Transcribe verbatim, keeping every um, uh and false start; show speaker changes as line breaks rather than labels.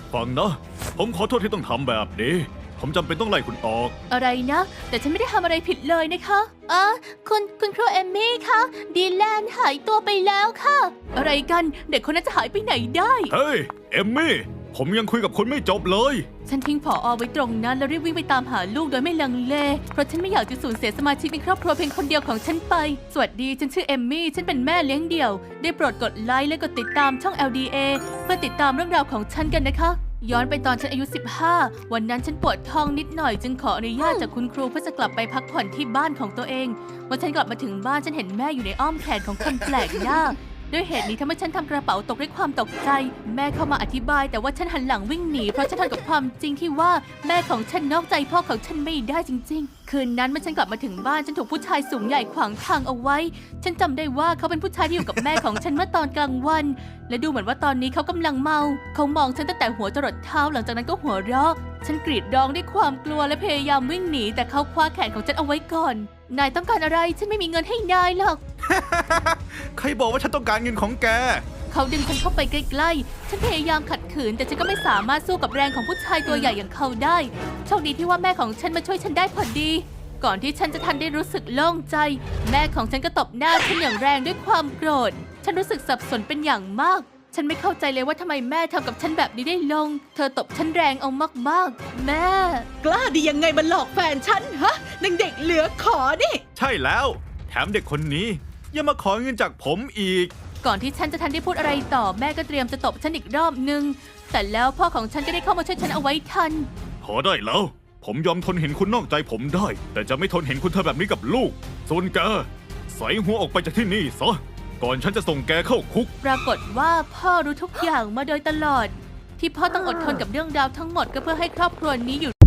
ฟังนะ ผมขอโทษที่ต้องทำแบบนี้ ผมจำเป็นต้องไล่คุณออก
อะไรนะ แต่ฉันไม่ได้ทำอะไรผิดเลยนะคะอ๋อคุณคุณครูเอมมี่คะดีแลนหายตัวไปแล้วค่ะ อะไรกันเด็กคนนั้นจะหายไปไหนได้
เฮ้ย เอมมี่ ผมยังคุยกับคุณไม่จบเลย
ฉันทิ้งผออไว้ตรงนั้นแล้วรีบวิ่งไปตามหาลูกโดยไม่ลังเล เพราะฉันไม่อยากจะสูญเสียสมาชิกในครอบครัวเพียงคนเดียวของฉันไป สวัสดี ฉันชื่อเอมมี่ ฉันเป็นแม่เลี้ยงเดี่ยว ได้โปรดกดไลค์และกดติดตามช่อง แอล ดี เอ เพื่อติดตามเรื่องราวของฉันกันนะคะ ย้อนไปตอนฉันอายุ สิบห้า วันนั้นฉันปวดท้องนิดหน่อยจึงขออนุญาตจากคุณครูเพื่อจะกลับไปพักผ่อนที่บ้านของตัวเองเมื่อฉันกลับมาถึงบ้านฉันเห็นแม่อยู่ในอ้อมแขนของคนแปลกหน้า ด้วยเหตุนี้ทำให้ฉันทำกระเป๋าตกด้วยความตกใจ แม่เข้ามาอธิบายแต่ว่าฉันหันหลังวิ่งหนีเพราะฉันทนกับความจริงที่ว่าแม่ของฉันนอกใจพ่อของฉันไม่ได้จริงๆ คืนนั้นเมื่อฉันกลับมาถึงบ้านฉันถูกผู้ชายสูงใหญ่ขวางทางเอาไว้ ฉันจำได้ว่าเขาเป็นผู้ชายที่อยู่กับแม่ของฉันเมื่อตอนกลางวัน และดูเหมือนว่าตอนนี้เขากำลังเมา เขามองฉันตั้งแต่หัวจรดเท้าหลังจากนั้นก็หัวเราะ ฉันกรีดร้องด้วยความกลัวและพยายามวิ่งหนีแต่เขาคว้าแขนของฉันเอาไว้ก่อน นายต้องการอะไรฉันไม่มีเงินให้นายหรอก
ใครบอกว่าฉันต้องการเงินของแก
เขาดึงฉันเข้าไปใกล้ๆ ฉันพยายามขัดขืนแต่ฉันก็ไม่สามารถสู้กับแรงของผู้ชายตัวใหญ่อย่างเขาได้ โชคดีที่ว่าแม่ของฉันมาช่วยฉันได้พอดี ก่อนที่ฉันจะทันได้รู้สึกโล่งใจ แม่ของฉันก็ตบหน้าฉันอย่างแรงด้วยความโกรธ ฉันรู้สึกสับสนเป็นอย่างมาก ฉันไม่เข้าใจเลยว่าทำไมแม่ทำกับฉันแบบนี้ได้ลง เธอตบฉันแรงเอามากๆ แม่
กล้าดียังไงมาหลอกแฟนฉันฮะนางเด็กเหลือขอนี่
ใช่แล้ว แถมเด็กคนนี้ยังมาขอเงินจากผมอีก
ก่อนที่ฉันจะทันได้พูดอะไรต่อแม่ก็เตรียมจะตบฉันอีกรอบนึง แต่แล้วพ่อของฉันก็ได้เข้ามาช่วยฉันเอาไว้ทัน
พอได้แล้ว ผมยอมทนเห็นคุณนอกใจผมได้ แต่จะไม่ทนเห็นคุณทำแบบนี้กับลูก ส่วนแกใส่หัวออกไปจากที่นี่ซะ ก่อนฉันจะส่งแกเข้าคุก
ปรากฏว่าพ่อรู้ทุกอย่างมาโดยตลอด ที่พ่อต้องอดทนกับเรื่องราวทั้งหมดก็เพื่อให้ครอบครัวนี้อยู่